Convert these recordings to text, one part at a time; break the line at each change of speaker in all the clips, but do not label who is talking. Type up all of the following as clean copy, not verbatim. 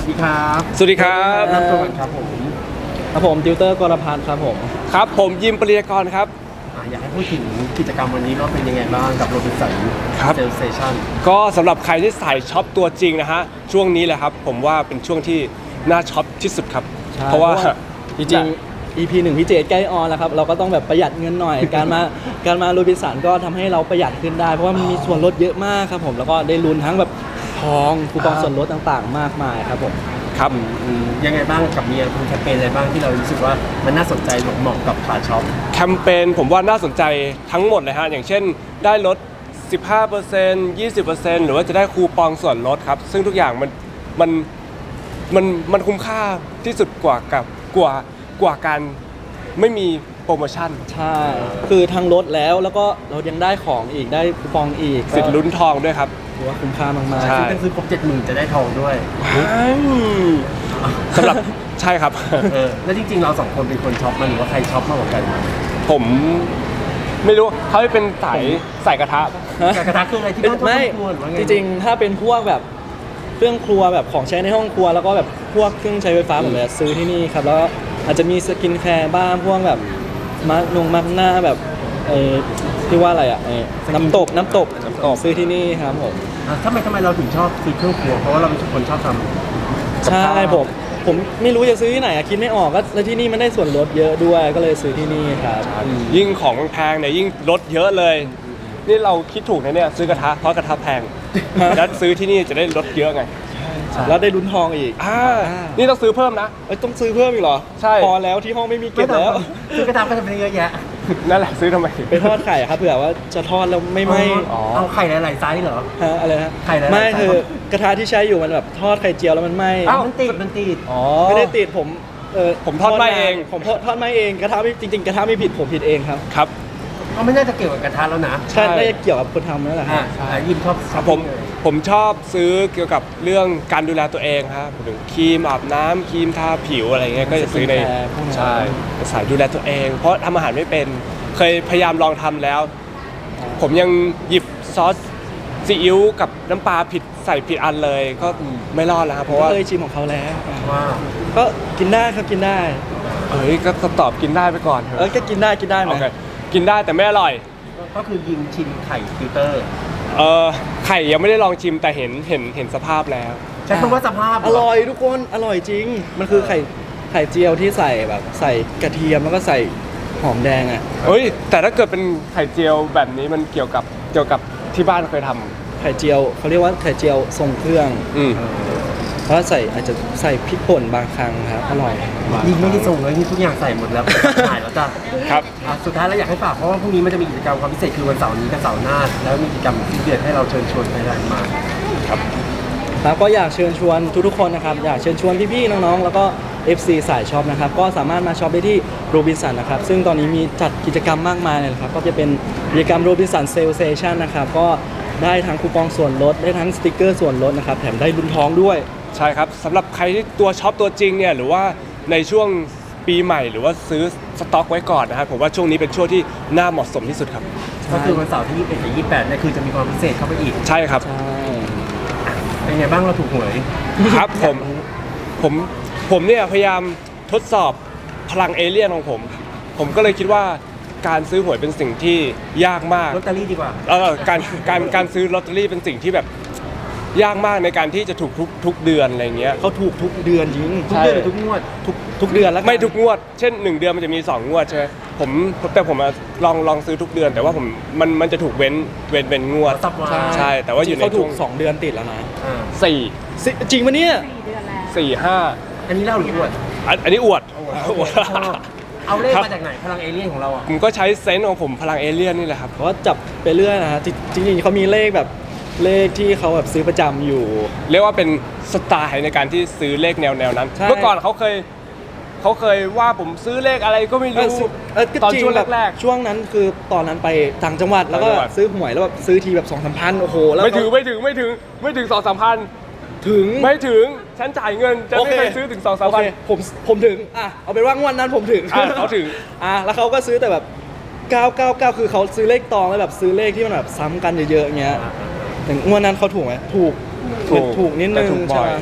ดีครับ
สวัสดีครับ
รับตัวกันครับผม
ครับผมติวเตอร์กรพัฒน์ครับผม
ครับผมยิมปริยากรครับ
อยากให้พูดถึงกิจกรรมวันนี้ว่าเป็นยังไงบ้างกับโรบินสัน
ครับ
เซลเซชั่น
ก็สำหรับใครที่สายช็อปตัวจริงนะฮะช่วงนี้แหละครับผมว่าเป็นช่วงที่น่าช็อปที่สุดครับ เพราะว่า
จริงๆ EP 1พี่เจใกล้ออนแล้วครับเราก็ต้องแบบประหยัดเงินหน่อย การมาโรบินสันก็ทำให้เราประหยัดขึ้นได้ เพราะว่ามันมีส่วนลดเยอะมากครับผมแล้วก็ได้ลุ้นทั้งแบบทองคูปองส่วนลดต่างๆ มากมายครับผม
ครับ
ยังไงบ้างกับมีแคมเปญอะไรบ้างที่เรารู้สึกว่ามันน่าสนใจเหมาะกับขาช็อป
แคมเปญผมว่าน่าสนใจทั้งหมดเลยฮะอย่างเช่นได้ลด 15% 20% หรือว่าจะได้คูปองส่วนลดครับซึ่งทุกอย่างมันคุ้มค่าที่สุดกว่าการไม่มีโปรโมชั่น
ใช่คือทั้งลดแล้วก็เรายังได้ของอีกได้คูปองอีก
สิทธิ์ลุ้นทองด้วยครับ
ถือว่าคุ้มค่ามาก
ใช่
ซึ่งถ้าซื้อครบ70,000จะได้ทองด้วย
สำหรับใช่ครับ
แล้วจริงๆเราสองคนเป็นคนช็อปมันหรือว่าใครช็อปมากกว่ากัน
ผมไม่รู้เขาเป็นใส่กระทะ
กระทะคืออะไรที่บ้าน
ๆไม่
ครัวหรือว่าไง
จริงๆถ้าเป็นพวกแบบเครื่องครัวแบบของใช้ในห้องครัวแล้วก็แบบพวกเครื่องใช้ไฟฟ้าผมเลยซื้อที่นี่ครับแล้วอาจจะมีสกินแคร์บ้างพวกแบบมาร์กหน้าแบบที่ว่าอะไรอ่ะน้ำตกซื้อที่นี่ครับผม
ทำไมเราถึงชอบซื้อเครื่องครัวเพราะว่าเราเป็นคนชอบทำ
ใช่ผมไม่รู้จะซื้อที่ไหนอะคิดไม่ออกก็แล้วที่นี่มันได้ส่วนลดเยอะด้วยก็เลยซื้อที่นี่ครับ
ยิ่งของแพงเนี่ยยิ่งลดเยอะเลย นี่เราคิดถูกนะเนี่ยซื้อกระทะเพราะกระทะแพง แล้วซื้อที่นี่จะได้ลดเยอะไง
แล้วได้ลุ้นทองอีก
นี่ต้องซื้อเพิ่มนะ
ต้องซื้อเพิ่มอีกเหรอ
ใช่
พอแล้วที่ห้องไม่มีเก็บแล้ว
ซื้อกระทะไปทำเป็นเยอะแยะ
นั่นแหละซื้อทำไม
ไปทอดไข่ครับเผื่อว่าจะทอดแล้วไม่ไหม้
อ๋อ
เอาไข่หลายๆไซส์เหรอ
ฮะอะไรนะ
ไข่หลายๆ
ไม่
ไส้
คือกระทะที่ใช้อยู่มันแบบทอดไข่เจียวแล้วมันไหม้
เอ้ามันติด
อ๋อ
ไม่ได้ติดผม
ผมทอดไหม้เอง
ผมทอดไหม้เองกระทะไม่จริงๆกระทะไม่ผิดผมผิดเองครับ
ครับ
ก็ไม่น่าจะเกี่ยวกับกระทะแล้วนะ
ใช่น่าจะเกี่ยวกับคนทำนั่นแหละครับ
ยิมชอบ
ครับผมชอบซื้อเกี่ยวกับเรื่องการดูแลตัวเองครับถึงครีมอาบน้ำครีมทาผิวอะไรเงี้ยก็จะซื้อใน
สกินแคร์พวกนั้น
ใช่สายดูแลตัวเอง เพราะทำอาหารไม่เป็นเคยพยายามลองทำแล้ว ผมยังหยิบซอสซีอิ๊วกับน้ำปลาใส่ผิดอันเลยก็ไม่รอดแล้วครับเพราะว่า
เคยชิมของเขาแล้ว
ว่า
ก็กินได้ครับกินได้
เอ้ยก็ตอบกินได้ไปก่อนเถ
ก็
อะ
กินได้ไหม
โอเคกินได้แต่ไม่อร่อย
ก็คือยิมชิมไข่ฟิลเตอร์
ไข่ยังไม่ได้ลองชิมแต่เห็นสภาพแล้ว
ใช้คำว่าสภาพ
อร่อยทุกคนอร่อยจริง มันคือไข่เจียวที่ใส่แบบใส่กระเทียมแล้วก็ใส่หอมแดงอ่ะ
เฮ้ยแต่ถ้าเกิดเป็นไข่เจียวแบบนี้มันเกี่ยวกับที่บ้านเคยท
ไข่เจียวเขาเรียกว่าไข่เจียวทรงเครื่อง
ำอืม
เพราะอาจจะใส่พริกป่นบางครั้งครับอร่อย
ยิงไม่ได้ส่งเลยนี่ทุกอย่างใส่หมดแล้วถ่ายแล้วจ้ะ
ครับ
สุดท้ายแล้วอยากให้ฝากเพราะว่าพรุ่งนี้มันจะมีกิจกรรมความพิเศษคือวันเสาร์นี้กับเสาร์หน้าแล้วมีกิจกรรมที่เดือนให้เราเชิญชวนไปรานมา
แล้วก็อยากเชิญชวนทุกๆคนนะครับอยากเชิญชวนพี่ๆน้องๆแล้วก็ FC สายช็อปนะครับก็สามารถมาช็อปได้ที่โรบินสันนะครับซึ่งตอนนี้มีจัดกิจกรรมมากมายเลยนะครับก็จะเป็นกิจกรรมโรบินสันเซลเซชันนะครับก็ได้ทั้งคูปองส่วนลดได้ทั้งสติกเกอร์ส่วนลดนะครับแถมได้ลุ้นทองด้วย
ใช่ครับสำหรับใครที่ตัวช็อปตัวจริงเนี่ยหรือว่าในช่วงปีใหม่หรือว่าซื้อสต็อกไว้ก่อนนะครับผมว่าช่วงนี้เป็นช่วงที่น่าเหมาะสมที่สุดครับ
ก็คือวันเสาร์ที่21กับ28เนี่ยคือจะมีความพิเศษเข้าไปอีก
ใช่ครับ
ใช่
เป็นไงบ้างเราถูกหวย
ครับผมเนี่ยพยายามทดสอบพลังเอเลี่ยนของผมก็เลยคิดว่าการซื้อหวยเป็นสิ่งที่ยากมาก
ลอตเตอรี่ดีกว่า
การซื้อลอตเตอรี่เป็นสิ่งที่แบบยากมากในการที่จะถูกทุกเดือนอะไรเงี้ย
เขาถูกทุกเดือนจริง
ทุกเดือนหรือทุกงวด
ทุกเดือนแล้วกัน
ไม่ทุกงวด เช่น 1 เดือนมันจะมี 2 งวดใช่ไหมแต่ผมลองซื้อทุกเดือน แต่ว่ามันจะถูกเว้นงวด
สัปดาห์
ใช่แต่ว่าอยู่ใน
เขาถู
ช่ว
ก
ง
2 เดือนติดแล้วนะ
4
จริงปะเนี่ย
4
อันนี้เล่าหรืออวด
5อันนี้อวด
เอาเลขมาจากไหนพลังเอเลี่ยนของเราอ่ะ
ผมก็ใช้เซนส์ของผมพลังเอเลี่ยนนี่แหละครับ
เพราะว่าจับไปเรื่อยนะฮะจริงๆเขามีเลขแบบเลขที่เขาแบบซื้อประจำอยู่
เรียกว่าเป็นสไตล์ในการที่ซื้อเลขแนวนั้น
ใช่
เมื่อก่อนเขาเคยว่าผมซื้อเลขอะไรก็ไม่รู้
ก็
ตอน
จริง
ช่วง
แบบ
แรก
ช่วงนั้นคือตอนนั้นไปต่างจังหวัดแล้วก็
ต่างจังหวัด
ซื้อหวยแล้วแบบซื้อทีแบบ2-3 พันโอ้โหแล้ว
ไม่ถึง2-3 พัน
ถึง
ไม่ถึงฉันจ่ายเงินจะไม่เคยซื้อถึง2-3
โอ
พั
เคน ผมถึงเอาเป็นว่างวดนั้นผมถึง
เขาถึง
แล้วเขาก็ซื้อแต่แบบ999คือเขาซื้อเลขตองแล้วแบบซื้อเลขที่มันแบบซ้ำกันเยอะๆอย่างเงี้ยถึงงวดนั้นเขาถูกไหมถูกนิดนึง
แต่ถูกบ่
ใช่
อย
ไหม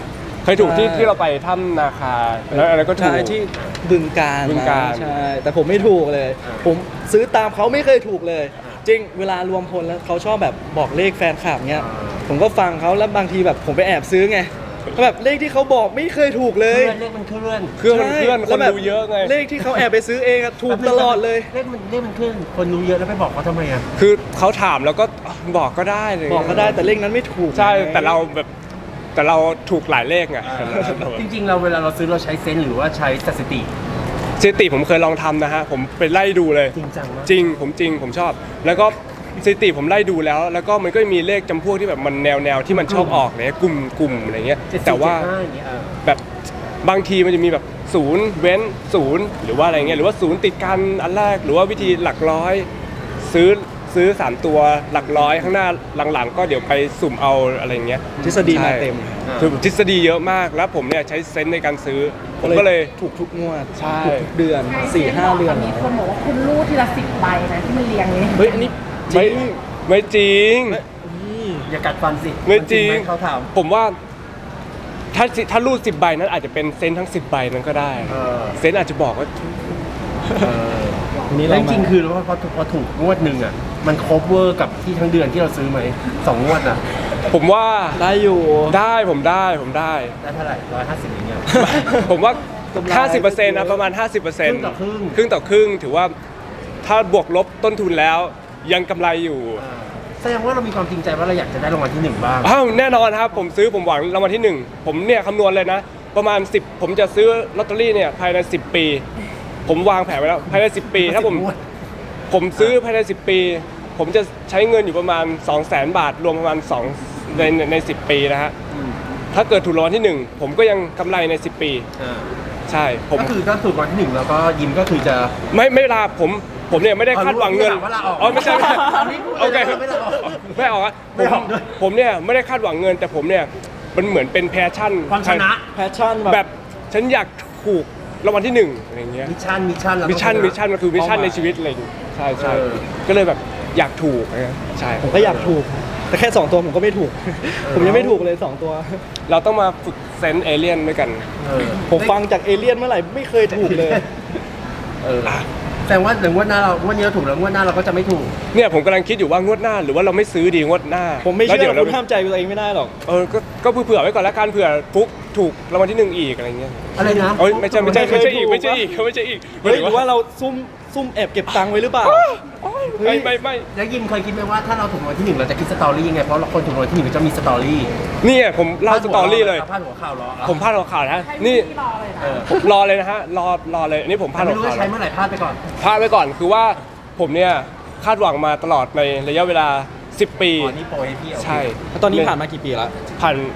เคยถูกที่เราไปถ้ำนาคาแล้วอะไรก็ถูก
ใช่ที่บึงการ
บึงกาฬ
ใช่แต่ผมไม่ถูกเลย ผมซื้อตามเขาไม่เคยถูกเลย จริงเวลารวมพลแล้วเขาชอบแบบบอกเลขแฟนคลับเงี้ยผมก็ฟังเขาแล้วบางทีแบบผมไปแอบซื้อไงก็แบบเลขที่เขาบอกไม่เคยถูกเลย
เลขมันเคลื่อน
เครื่องมันเคลื่อน
ใช่
ค
แล้ว
น
แบบ
ดูเยอะไง
เลขที่เขาแอบไปซื้อเองอะถูกตลอดเลย
เลขมันเคลื่อนคนรู้เยอะแล้วไปบอกเขาทำไมอ่ะ
คือเขาถามแล้วก็บอกก็ได้เลย
บอกก็ได้แต่เลขนั้นไม่ถูก
ใช่
ไง
แต่เราถูกหลายเลขไง
จริงๆเราเวลาเราซื้อเราใช้เซนส์หรือว่าใช้สถิติ
สถิติผมเคยลองทำนะฮะผมไปไล่ดูเลย
จริงจังมาก
จริงผมชอบ แล้วก็สถิติผมไล่ดูแล้วก็มันก็มีเลขจำพวกที่แบบมันแนวที่มันชอบออกเนี่ยกลุ่มอะไรเงี้ย
70
แต่ว่า
75อย่างเงี้ย
แบบบางทีมันจะมีแบบศูนย์เว้นศูนย์หรือว่าอะไรเงี้ยหรือว่าศูนย์ติดกันอันแรกหรือว่าวิธีหลักร้อยซื้อ3ตัวหลักร้อยข้างหน้าหลังๆ ก็เดี๋ยวไปสุ่มเอาอะไรเงี้ย
ทฤษฎีมา
ใช่
เต็ม
คือทฤษฎีเยอะมากแล้วผมเนี่ยใช้เซนส์ในการซื้อผมก็เลย
ถูกทุกงวด
ใช่
ถูกทุกเดือน 4-5 เดือน
มีคนบอกว่าคุณรูดทีละ10 ใบนะที่มันเรียงนี้
เฮ้ยอันนี้จ
ไม่
ริง
ไม่จริง
นี่
อย่ากัดฟันสิ
ไม่จริง
นหเขาถาม
ผมว่าถ้ารูด10 ใบนั้นอาจจะเป็นเซนส์ทั้ง10 ใบนั้นก็ได้ เซนส์อาจจะบอกว่า
นี่
แล้
เรา
วจริงๆคือว่าพอถูกงวดหนึ่งอ่ะมันครบเวอร์กับที่ทั้งเดือนที่เราซื้อไหม2 งวดอ่ะ
ผมว่า
ได้อยู่
ผมได้
ได้เท่าไหร่150อย่างเงี้ย
ผมว่า
กำไร
50%นะประมาณ 50%
ครึ่งต่อครึ่ง
ครึ่งต่อครึ่งถือว่าถ้าบวกลบต้นทุนแล้วยังกำไรอยู่
แสดงว่าเรามีความจริงใจว่าเราอยากจะได้รางวัลที่ 1 บ้าง
อ้าวแน่นอนครับผมซื้อผมหวังรางวัลที่ 1 ผมเนี่ยคำนวณเลยนะ ประมาณ10ผมจะซื้อลอตเตอรี่เนี่ยภายใน10 ปี ผมวางแผนไว้แล้วภายใน10 ปี ถ้าผมซื้อภายใน10 ปี ผมจะใช้เงินอยู่ประมาณ 200,000 บาท รวมประมาณ2ใน10 ปีนะฮะถ้าเกิดถูกรางวัลที่ 1 ผมก็ยังกำไรใน10 ปีใช่ผม
ก็คือถ้าถูกรางวัลที่ 1 แล้วก็ยิ้มก็คือจะ
ไม่ลาผมเนี่ยไม่ได้คาดหวังเงิน
ไม่ลาออก
อ๋อไม่ใช่
ตอนนี้พูดเลย
โอเค
ไม่ลาออก
ไม่ออกอะ
ไม่ออกด้วย
ผมเนี่ยไม่ได้คาดหวังเงิน แต่ผมเนี่ยมันเหมือนเป็นแพชชั่น
ความชนะ
แพชชั่น
แบบฉันอยากถูกรางวัลที่1อะไรอย่างเงี้ย
มิชชั่นแล้วก็
มิชชั่น
ชะ
มันคือมิชชั่น
เป้าหมาย
ในชีวิตอะไรอย่างเงี้ยใช่
เออ
ก็เลยแบบอยากถูกอะไรเงี้ยใช่
ผมก็อยากถูก แต่แค่ 2 ตัวผมก็ไม่ถูก ผมยังไม่ถูกเลย 2 ตัว
เราต้องมาฝึกเซนส์เอเลี่ยนด้วยกัน
ผมฟังจากเอเลี่ยนเมื่อไหร่ไม่เคยถูกเลย
แสดงว่าเดี๋ยวงวดหน้าเรางวดนี้เราถูกแล้วงวดหน้าเราก็จะไม่ถูก
เนี่ยผมกำลังคิดอยู่ว่างวดหน้าหรือว่าเราไม่ซื้อดีงวดหน้า
ผมไม่
แล้ว
เชื่
ดี๋
อ
ยวเรา
คุณห้ามใจตัวเองไม่ได้หรอก
ก็เผื่อไว้ก่อนละกันเผื่อฟุกถูกรางวัลที่1อีกอะไรเงี้ย
อะไรนะ
เอ้ยไม่ใช่
ไม่เคยถูก
ไม่ใช่อีก
เฮ้ยหรือว่าเราซุ่มแอบเก็บตังค์ไว้หรือเปล่า
ไม่
แล้วยิมเคยคิดไหมว่าถ้าเราถูกรางวัลที่ 1เราจะคิดสตอรี่ยังไงเพราะเราคนถูกรางวัลที่ 1จะมีสตอรี่
เนี่ยผมเล่าสตอรี่เลย
พาดหัวข่าวรอ
ผมพลาดหัวข่าวนะ
ให้
นี่
พี่รอเลยนะ
ผมรอเลยนะฮะรอเลยอันนี้ผมพลาด
ไม่
หัว
รู้
ข่า
ว่าว ใช้เมื่อไหร่พลาดไปก่อน
พลาดไว้ก่อนคือว่าผมเนี่ยคาดหวังมาตลอดในระยะเวลา10 ปี
อ๋อนี่โปรให้พี่โอเค
ใช่
แล้วตอนนี้ผ่านมากี่ปีแล้ว
ผ่าน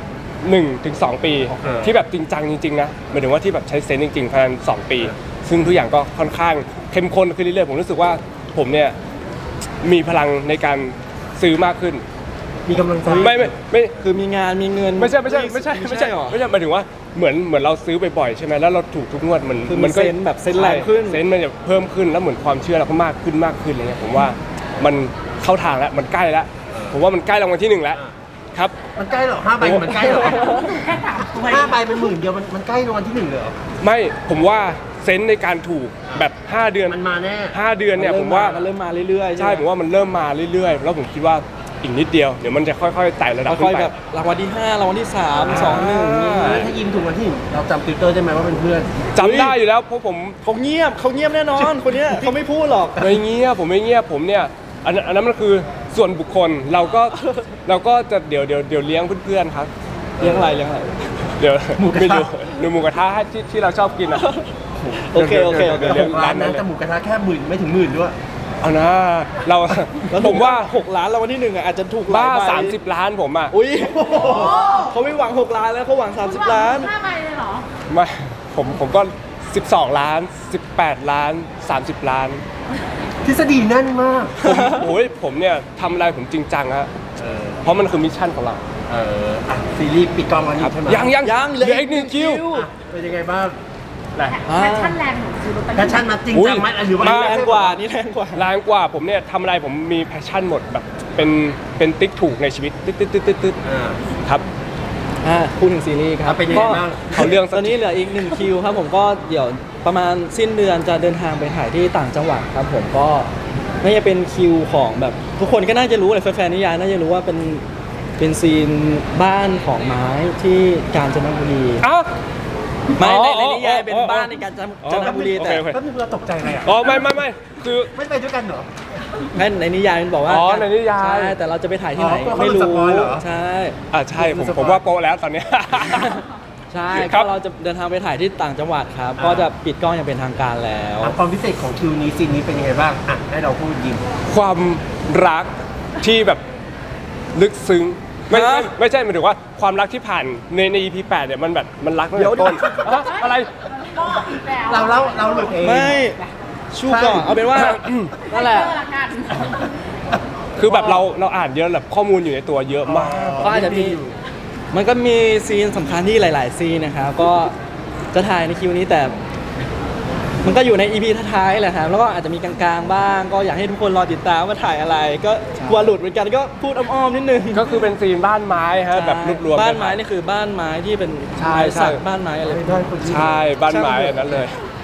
1 ถึง 2 ปี
โอเค
ที่แบบจริงจังจริงๆนะหมายถึงว่าที่แบบใช้เซนส์จริงๆภายใน2 ปี ซึ่งทุกอย่างก็ค่อนข้างเข้มข้นขึ้นเรื่อยๆผมรู้สึกว่าผมเนี่ยมีพลังในการซื้อมากขึ้น
มีกำลังใจ
ไม่
คือมีงานมีเงิน
ไม่ใช่หรอ
หรอ
ไม่ใช่หมายถึงว่าเหมือนเราซื้อบ่อยๆใช่ไหมแล้วเราถูกทุกงวดมัน
คือมันเซนส์แบบเซนส์แรงขึ้น
เซนส์มันจะเพิ่มขึ้นแล้วเหมือนความเชื่อเราก็มากขึ้นอะไรเงี้ยผมว่ามันเข้าทางแล้วมันใกล้แล้วผมว่ามันใกล้รางวัลที่ 1แล้วครับ
มันใกล้เหรอ5 ใบมันใกล้เหรอ
แค่3 ตัว
5 ใบเป็นหมื่นเดียวมันใกล้รางวัลที่ 1เลยเหรอ
ไม่ผมว่าเซนส์ในการถูกแบบ5 เดือน
มันมาแน่
5 เดือนเนี่ยผมว่า
มันเริ่มมาเรื่อยๆ
ใช่ผมว่ามันเริ่มมาเรื่อยๆแล้วผมคิดว่าอีกนิดเดียวเดี๋ยวมันจะค่อยๆไต่ระดับขึ้
ค่อย
น
ๆ
ไป
แบบรางวัลที่ 5 รางวัลที่ 3 2 1นี่
แล้วถ้ายิมถูกรางวัลที่ 1เราจำติวเตอร์ได้ไหมว่าเป็นเพื่อน
จำได้อยู่แล้วเพราะผม
เขาเงียบแน่นอน คนเนี้ยเขาไม่พูดหรอก
ไม่เงียบผมไม่เงียบผมเนี่ยอันนั้นมันคือส่วนบุคคลเราก็จะเดี๋ยวเลี้ยงเพื่อนๆครับ
เลี้ยงอะไร
เดี๋ยว
หมูกระทะ
ไม่รู้หรือหมูกระทะที่เราชอบกินอ่ะ
โอเค
เดี๋ยวเลี้ยง
ร้านนั้นแต่หมูกระทะแค่หมื่นไม่ถึงหมื่นด้วย
เอานะเรา
แล้ว
ผมว่า
6 ล้านรางวัลที่1อ่ะอาจจะถูกหลย
บ้า
ใบ
30 ล้านผมอ่ะ
อุ้ยเขาไม่หวัง 6 ล้านแล้วเขาหวัง 30 ล้าน
5 ใบเลยเหรอ
ไม่ผมก็12 ล้าน18 ล้าน30 ล้าน
ทฤษฎีแน่นมาก
ผมเนี่ยทำอะไรผมจริงจังฮะเพราะมันคือมิชชั่นของเรา
ซีรีส์ปิดกล้องวันนี้ใช่ไหม
ยังเหลืออีก1 คิว
อ่ะเป็นยังไงบ้าง
แหละ
แพชชั่นแรงหนูซื้อลอตเตอรี่
แพชชั่นมาจริงจังไหมหรือว่า
แรงกว่านี่แรงกว่า
แรงกว่าผมเนี่ยทำอะไรผมมีแพชชั่นหมดแบบเป็นติ๊กถูกในชีวิตตึ๊ด
อ่า
ครับ
พูดถึงซีรีส์ครับ
เป็นยังไงบ้าง
เขาเรื่องสั
ต
ก
อนนี้เหลืออีก1คิวครับผมก็เดี๋ยวประมาณสิ้นเดือนจะเดินทางไปถ่ายที่ต่างจังหวัดครับผมก็น่าจะเป็นคิวของแบบทุกคนก็น่าจะรู้เลยแฟนๆนิยายน่าจะรู้ว่าเป็นซีนบ้านของไม้ที่กาญจนบุรี
อ้าว
ไม่ใน
อ๋อ
นิยายเป็น
อ๋อ
บ้านในกาญจนบุรีแต่
โอเค
แป๊บนึงเราตกใจอะไรอ่ะ
อ๋อไม่คือ
ไม่ไปด้วยกันเหรอ
ในนิยายมันบอกว่า
อ๋อในนิยาย
ใช่แต่เราจะไปถ่ายที่ไหน
อ๋อ
ไม่รู้
เขาสปอยเหรอ
ใช่
ใช่ผมว่าโปะแล้วตอนเนี้ย
ใช่
ครั
ก็
บ
เราจะเดินทางไปถ่ายที่ต่างจังหวัดครับก็จะปิดกล้องอย่างเป็นทางการแล้ว
ความพิเศษของคิวนี้ซีนนี้เป็นยังไงบ้างอ่ะให้เราพูดยิม
ความรักที่แบบลึกซึ้งไม่ใช่หมายถึงว่าความรักที่ผ่านใน EP 8เนี่ยมันแบบมันรักตั้งแต่ต้นอะไร
ก็อีกแล้ว
เราหลุดเอง
ไม่ชูก่อนเอาเป็นว่า นั่นแหละ
เจอละกัน
คือแบบเราอ่านเยอะแบบข้อมูลอยู่ในตัวเยอะมาก
ก็อาจจะมีมันก็มีซีนสำคัญที่หลาย ๆ ซีนนะครับก็จะถ่ายในคิวนี้แต่ มันก็อยู่ใน EP ท้ายๆแหละครับแล้วก็อาจจะมีกลางๆบ้าง ก็อยากให้ทุกคนรอติดตามว่าถ่ายอะไร ก็กลัวหลุดเหมือนกันก็พูดอ้อมๆนิดนึง
ก็คือเป็นซีนบ้านไม้ฮะแบบรวมๆ
บ้าน
กั
ไม้นี่คือบ้านไม้ที่เป็น
ใช่
ไม้สัก
ใช่
บ้านไม้อะไร
ใช่บ้านไม้อันนั้นเลย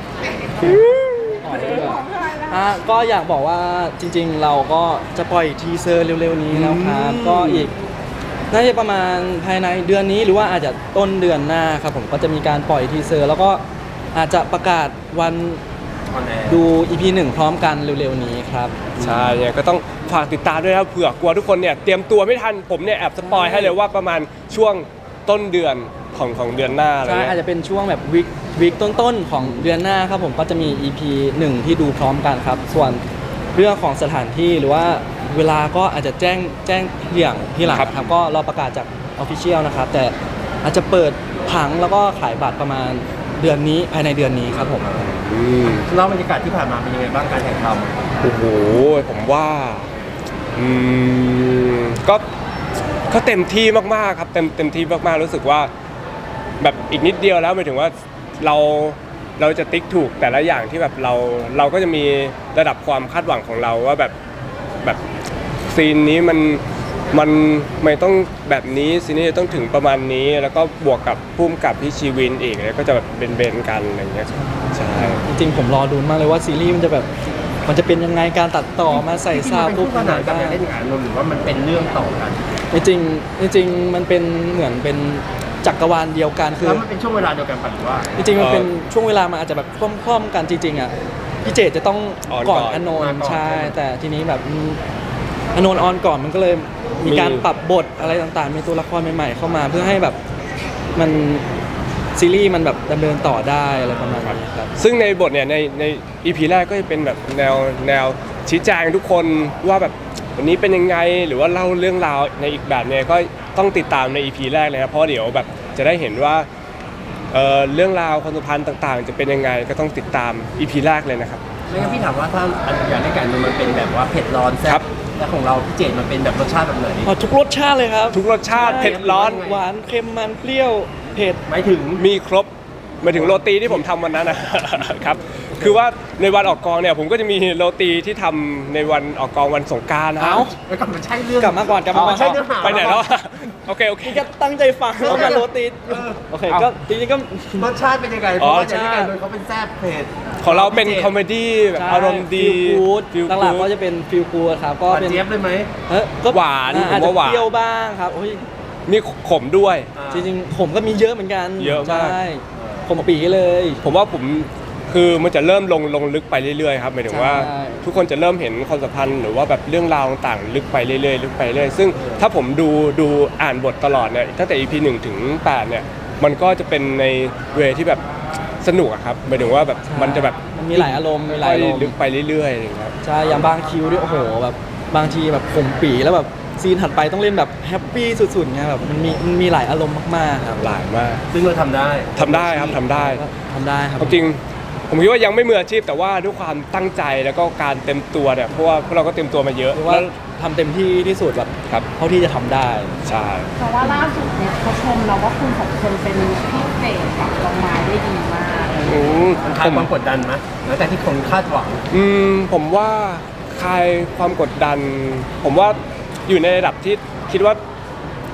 ก็อยากบอกว่าจริง ๆ เราก็จะปล่อยทีเซอร์เร็วๆนี้แล้วครับก็อีกน่าจะประมาณภายในเดือนนี้หรือว่าอาจจะต้นเดือนหน้าครับผมก็จะมีการปล่อยทีเซอร์ แล้วก็อาจจะประกาศวันดู EP 1 พร้อมกันเร็วๆนี้ครับ
ใช่เนี่ยก็ต้องฝากติดตามด้วยนะครับเผื่อกลัวทุกคนเนี่ยเตรียมตัวไม่ทันผมเนี่ยแอบสปอยให้เลยว่าประมาณช่วงต้นเดือนของเดือนหน้าอะไร
ใช่
เงี้
อาจ
ย
จะเป็นช่วงแบบวิกต้นๆของเดือนหน้าครับผมก็จะมี EP 1 ที่ดูพร้อมกันครับ ส่วนเรื่องของสถานที่หรือว่าเวลาก็อาจจะแจ้งที่หลังครับก็รอประกาศจาก Official นะครับแต่อาจจะเปิดผังแล้วก็ขายบัตรประมาณเดือนนี้ภายในเดือนนี้ครับผม
เล่าบรรยากาศที่ผ่านมาเป็นยังไงบ้างการถ่ายท
โอ้โหผมว่าอืมก็เต็มที่มากๆครับเต็มที่มากๆรู้สึกว่าแบบอีกนิดเดียวแล้วหมายถึงว่าเราจะติ๊กถูกแต่ละอย่างที่แบบเราก็จะมีระดับความคาดหวังของเราว่าแบบซีนนี้มันไม่ต้องแบบนี้ซีนนี้จะต้องถึงประมาณนี้แล้วก็บวกกับพุ่มกับพี่ชีวินอีกแล้วก็จะแบบเบนๆกันอะไรอย่างเงี้ยใช่
จริงๆผมรอดูมากเลยว่าซีรีส์มันจะเป็นยังไงการตัดต่อมาใส่
ำ
ซาว
เป็น
ปุ๊บ
คู่ขนานกันเล่นงานหรือว่ามันเป็นเรื่องต่อกัน
จริงๆมันเป็นเหมือนเป็นจักรวาลเดียวกันคือ
แล้วมันเป็นช่วงเวลาเดียวกันปะหรือว่า
จริงๆมันเป็นช่วงเวลามันอาจจะแบบคล่อมๆกันจริงๆอ่ะพี่เจตจะต้องก่อนอโนนท์ใช่แต่ทีนี้แบบอโนนท์ออนก่อนมันก็เลยมีการปรับบทอะไรต่างๆมีตัวละครใหม่ๆเข้ามาเพื่อให้แบบมันซีรีส์มันแบบดำเนินต่อได้อะไรประมาณนี้ครับ
ซึ่งในบทเนี่ยใน EP แรกก็จะเป็นแบบแนวชี้แจงทุกคนว่าแบบวันนี้เป็นยังไงหรือว่าเล่าเรื่องราวในอีกแบบเนี่ยก็ต้องติดตามใน EP แรกเลยครับเพราะเดี๋ยวแบบจะได้เห็นว่าเรื่องราวความสัมพันธ์ต่างๆ จะเป็นยังไงก็ต้องติดตาม EP แรกเลยนะครับ
ไม่งั้นพี่ถามว่าถ้าอยากได้ไก่มันเป็นแบบว่าเผ็ดร้อนแซ่
ครับ บ
แล้วของเราพี่เจดมันเป็นแบบรสชาติแบบไหน
ทุกรสชาติเลยครับ
ทุกรสชาติเผ็ดร้อน
หวานเค็มมันเปรี้ยวเผ็ด
หมายถึง
มีครบหมายถึงโรตีที่ผมทำวันนั้นนะครับคือว่าในวันออกกองเนี่ยผมก็จะมีโรตีที่ทำในวันออกกองวันสงกรานต์นะครับ
แล้วก็มันใช่เรื่อง
กลับมาก่อน
ใช่เนื้อหา
ไปไหนแล้วอะโอเค
นี่ก็ตั้งใจฟังแล้วมาโรตีโอเคก็จริงๆก็
รสชาติเป็นยังไงเพราะว่าอย่างที่ไก่โดนเขาเป็นแซ่บเผ็ด
ของเราเป็นคอมเมดี้แบบอารมณ์ดี
ฟีลกู๊ด
feel
หลัก
good
ๆก็จะเป็นฟีลกู๊ดครับก็
หวาน
เป็น
เจี๊ยบเลยไหม
ก็
หวาน
อาจ
ผม
จะ
ว่าหวาน
เปรี้ยวบ้างครับโอ้ย
มีขมด้วย
จริงๆผมก็มีเยอะเหมือนกัน
เยอะมาก
ใช่ผมปีเลย
ผมว่าผมคือมันจะเริ่มลงลึกไปเรื่อยๆครับหมายถึงว่า
ใช่
ทุกคนจะเริ่มเห็นความสัมพันธ์หรือว่าแบบเรื่องราวต่างๆลึกไปเรื่อยๆลึกไปเรื่อยซึ่งถ้าผมดูอ่านบทตลอดเนี่ยตั้งแต่ EP 1 ถึง 8 เนี่ยมันก็จะเป็นในเวที่แบบสนุกอะครับหมายถึงว่าแบบมันจะแบบ
มันมีหลายอารมณ์มีหลายอารมณ์
ลึกไปเรื่อยๆอะไรอย่างเงี้ยครับ
ใช่อย่างบางคิวด้วยโอ้โหแบบบางทีแบบผมปีแล้วแบบซีนถัดไปต้องเล่นแบบแฮปปี้สุดๆไงแบบมันมีหลายอารมณ์มากๆครับ
หลายมาก
ซึ่งเราทำได้
ทำได้ครับทำได้
ก็ทำได้ครับ
ความจริงผมคิดว่ายังไม่มืออาชีพแต่ว่าด้วยความตั้งใจแล้วก็การเต็มตัวเนี่ยเพราะว่าพวกเราก็เต็มตัวมาเยอะ
หรือว่าทำเต็มที่ที่สุดแบบ
ครับ
เท่าที่จะทำได้
ใช่
เพราะว่าล่าสุดเนี่ยเขาชมเราว่าคุณสองคนเป็นพี่เต๋กับดอกไม้ได้ดีมาก
มันคลายความกดดันไหมหลังจากที่คนคาดหวัง
ผมว่าคลายความกดดัน ผมว่าอยู่ในระดับที่คิดว่า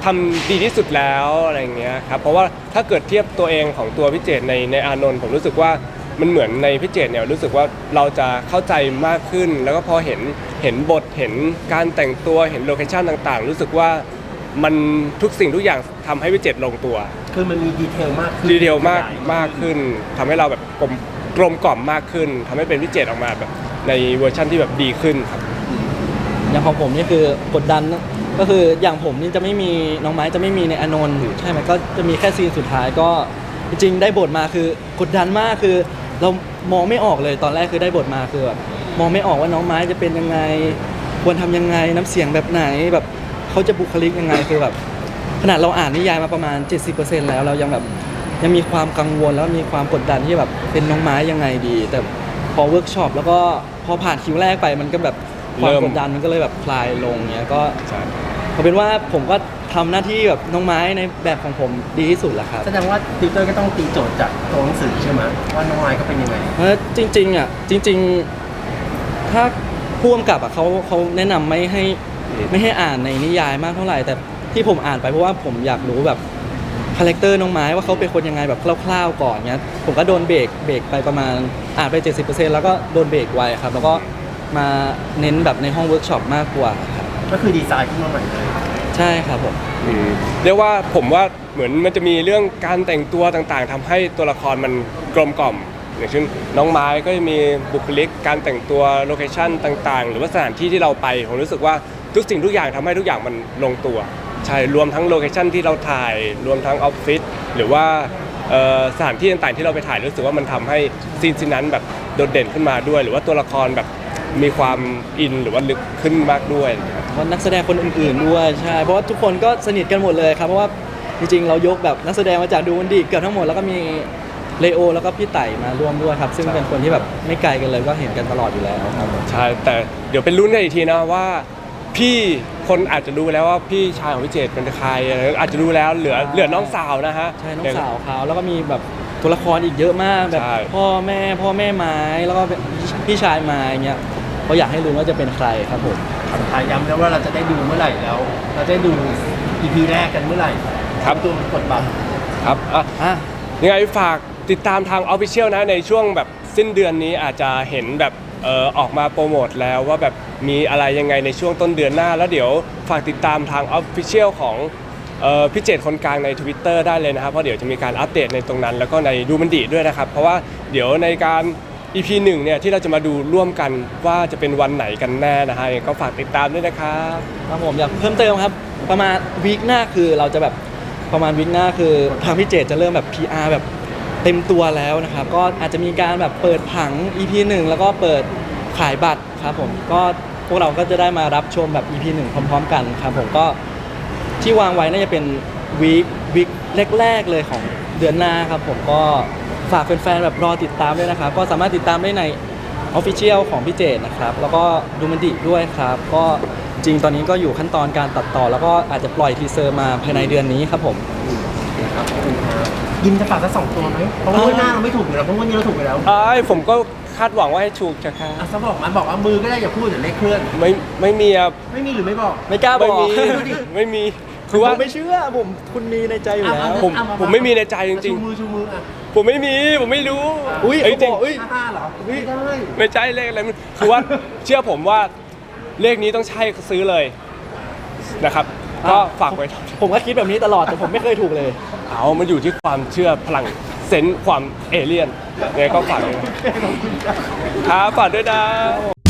ทำดีที่สุดแล้วอะไรอย่างเงี้ยครับเพราะว่าถ้าเกิดเทียบตัวเองของตัวพี่เจตในอานนท์ผมรู้สึกว่ามันเหมือนในพี่เจตเนี่ยรู้สึกว่าเราจะเข้าใจมากขึ้น แล้วก็พอเห็นบทเห็นการแต่งตัวเห็นโลเคชั่นต่างๆ รู้สึกว่ามันทุกสิ่งทุกอย่างทำให้พี่เจตลงตัว
คือมันมีดีเทลมากขึ้น
ดีเทลมากขึ้นทำให้เราแบบกลมกล่อมมากขึ้นทำให้เป็นพี่เจตออกมาแบบในเวอร์ชั่นที่แบบดีขึ้นครับ
อย่างของผมนี่คือกดดันก็คืออย่างผมนี่จะไม่มีน้องไม้จะไม่มีในอานนท์ใช่ไหมก็จะมีแค่ซีนสุดท้ายก็จริงๆได้บทมาคือกดดันมากคือเรามองไม่ออกเลยตอนแรกคือได้บทมาคือแบบมองไม่ออกว่าน้องไม้จะเป็นยังไงควรทำยังไงน้ำเสียงแบบไหนแบบเขาจะบุคลิกยังไงคือแบบขนาดเราอ่านนิยายมาประมาณ 70% แล้วเรายังแบบยังมีความกังวลแล้วมีความกดดันที่แบบเป็นน้องไม้ยังไงดี แต่พอเวิร์กช็อปแล้วก็พอผ่านคิวแรกไปมันก็แบบความกดดันมันก็เลยแบบคลายลงเงี้ยก็เอาเป็นว่าผมก็ทำหน้าที่แบบน้องไม้ในแบบของผมดีที่สุดแหละครับ
แสดงว่าติวเตอร์ก็ต้องตีโจทย์จากตัวหนังสือใช่ไหมว่าน้องไม้ก็เป็นยังไง
จริงๆอ่ะจริงๆถ้าผู้กำกับอ่ะเขาแนะนำไม่ให้อ่านในนิยายมากเท่าไหร่แต่ที่ผมอ่านไปเพราะว่าผมอยากรู้แบบคาแรคเตอร์น้องไม้ว่าเขาเป็นคนยังไงแบบคร่าวๆก่อนเงี้ยผมก็โดนเบรกไปประมาณอ่านไป 70% แล้วก็โดนเบรกไว้ครับแล้วก็มาเน้นแบบในห้องเวิร์กช็อปมากกว่าครับ
ก็คือดีไซน์ขึ้นมาใหม่เลย
ใช่ครับผม
เรียกว่าผมว่าเหมือนมันจะมีเรื่องการแต่งตัวต่างๆทำให้ตัวละครมันกลมกล่อมอย่างเช่นน้องไม้ก็จะมีบุคลิกการแต่งตัวโลเคชั่นต่างๆ หรือว่าสถานที่ที่เราไปผมรู้สึกว่าทุกสิ่งทุกอย่างทำให้ทุกอย่างมันลงตัวใช่รวมทั้งโลเคชั่นที่เราถ่ายรวมทั้งออฟฟิศหรือว่าสถานที่ต่างๆที่เราไปถ่ายรู้สึกว่ามันทำให้ซีนนั้นแบบโดดเด่นขึ้นมาด้วย หรือว่าตัวละครแบบมีความอินหรือว่าลึกขึ้นมากด้วย
เพราะนักแสดงคนอื่นๆด้วยใช่เพราะว่าทุกคนก็สนิทกันหมดเลยครับเพราะว่าจริงๆเรายกแบบนักแสดงมาจากดูมันดีเกือบทั้งหมดแล้วก็มีเลโอแล้วก็พี่ไต่มาร่วมด้วยครับซึ่งเป็นคนที่แบบไม่ไกลกันเลยก็เห็นกันตลอดอยู่แล้วครับ
ใช่แต่เดี๋ยวเป็นรุ่นกันอีกทีนะว่าพี่คนอาจจะรู้แล้วว่าพี่ชายของพี่เจตเป็นใครอะไรอาจจะรู้แล้วเหลือน้องสาวนะฮะ
ใช่น้องสาวเขาแล้วก็มีแบบตัวละครอีกเยอะมากแบบ
ใช่
พ่อแม่ไม้แล้วก็พี่ชายไม้เงี้ยเขาอยากให้รู้ว่าจะเป็นใครครับผม
สุดท้ายย้ำแล้วว่าเราจะได้ดูเมื่อไหร่แล้ว เราจะได้ดู EP แรกกันเมื่อไหร่
ครับ
ตัวกดบัตร
ครับ
อ่ะ
ยังไงฝากติดตามทาง Official นะในช่วงแบบสิ้นเดือนนี้อาจจะเห็นแบบออกมาโปรโมทแล้วว่าแบบมีอะไรยังไงในช่วงต้นเดือนหน้า แล้วเดี๋ยวฝากติดตามทาง Official ของพี่เจตคนกลางใน Twitter ได้เลยนะครับเพราะเดี๋ยวจะมีการอัปเดตในตรงนั้น แล้วก็ในดูมันดีด้วยนะครับเพราะว่าเดี๋ยวในการ EP 1เนี่ยที่เราจะมาดูร่วมกันว่าจะเป็นวันไหนกันแน่นะฮะก็ฝากติดตามด้วยนะครับ
ครับผมอยากเพิ่มเติมครับประมาณวีคหน้าคือเราจะแบบประมาณวีคหน้าคือทางพี่เจตจะเริ่มแบบ PR แบบเต็มตัวแล้วนะครับก็อาจจะมีการแบบเปิดผัง EP 1 แล้วก็เปิดขายบัตรครับผมก็พวกเราก็จะได้มารับชมแบบ EP 1 พร้อมๆกันครับผมก็ที่วางไว้น่าจะเป็นวีคแรกๆเลยของเดือนหน้าครับผมก็ฝากแฟนๆแบบรอติดตามด้วยนะครับก็สามารถติดตามได้ใน Official ของพี่เจตนะครับแล้วก็ดูมันดีด้วยครับก็จริงตอนนี้ก็อยู่ขั้นตอนการตัดต่อ แล้วก็อาจจะปล่อยทีเซอร์มาภายในเดือนนี้ครับผม
ครับขอบคุณครับยิมจะฝากสัก2 ตัวไหมเพราะว่าวันหน้าเราไม่ถูกอยู่แล้วเพราะวันนี้เราถูกไปแล้ว
ผมก็คาดหวังว่าให้ถูกจะครับ
อ่ะซะบอกมันบอกว่ามือก็ได้อย่าพูดเดี๋ยวเลขเคลื่อน
ไม่มีอะ
ไม่มีหรือไม่บอก
ไม่กล้าบ
ไม่
อก
มีไม่มีคือว่า
ผมไม่เชื่อผมคุณมีในใจอยู่แล้ว
ผมไม่มีในใจจริง
ชูมืออ่ะ
ๆผมไม่มีผมไม่รู้
อุ้ย
เอ้ย
เขา
จริ
บ
ง
อกอุ้ย
5เหรอไม่ได้
ไม่ใช่เลขอะไรมันคือว่าเชื่อผมว่าเลขนี้ต้องใช่ซื้อเลยนะครับ ก็ฝากไว้
ผมก็คิดแบบนี้ตลอดแต่ผมไม่เคยถูกเลย
เอามันอยู่ที่ความเชื่อพลังเซนส์ความเอเลี่ยนไงก็ฝากด้วยนะครับฝากด้วยนะ